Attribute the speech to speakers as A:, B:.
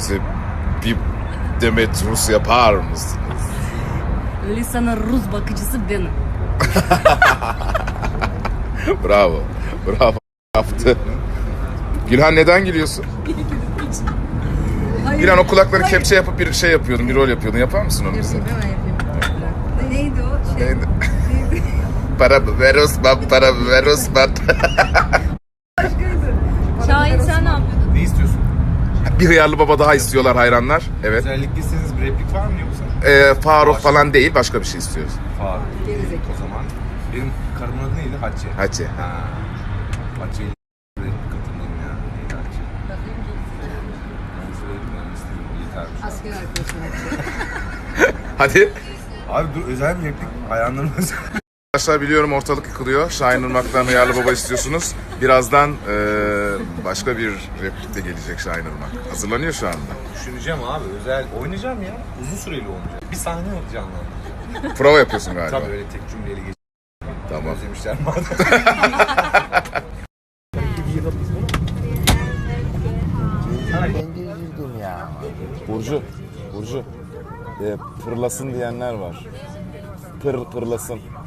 A: bize bir demet Rus yapar mısınız?
B: Lisa'nın Rus bakıcısı benim.
A: Bravo. Bravo. Yaptı. Gülhan neden gülüyorsun? Gülhan o kulakları kepçe yapıp bir şey yapıyordun, bir rol yapıyordun. Yapar mısın onu bize?
B: Yapayım, hemen yapayım. Neydi o?
A: Neydi? Para ver Osman, para ver Osman.
B: Şahin sen ne yapıyordun?
C: Ne istiyorsun?
A: Bir hıyarlı baba daha istiyorlar hayranlar. Evet.
C: Özellikle istediğiniz bir replik var mı yoksa?
A: Faruk falan değil, başka bir şey istiyoruz.
C: Faruk. O zaman benim karımın adı neydi? Hatice.
A: Hatice.
C: Ha. Hatice'yle katıldım ya. Neydi Hatice? Ben söyledim ben istedim. Yetermiş.
B: Asker arkadaşım.
A: Hadi.
C: Abi dur özel bir replik. Hayranlarım özel.
A: Arkadaşlar biliyorum ortalık yıkılıyor. Şahin Irmak'tan hıyarlı baba istiyorsunuz. Birazdan başka bir replik de gelecek Şahin Irmak. Hazırlanıyor şu anda.
C: Düşüneceğim abi. Özel oynayacağım ya. Uzun süreli oynayacağım. Bir sahne canlandıracağım.
A: Prova yapıyorsun galiba.
C: Tabii öyle tek cümleyle geç.
A: Tamam.
C: Özlemişler madem.
D: Ben de üzüldüm ya.
A: Burcu. Pırlasın diyenler var. Pırlasın.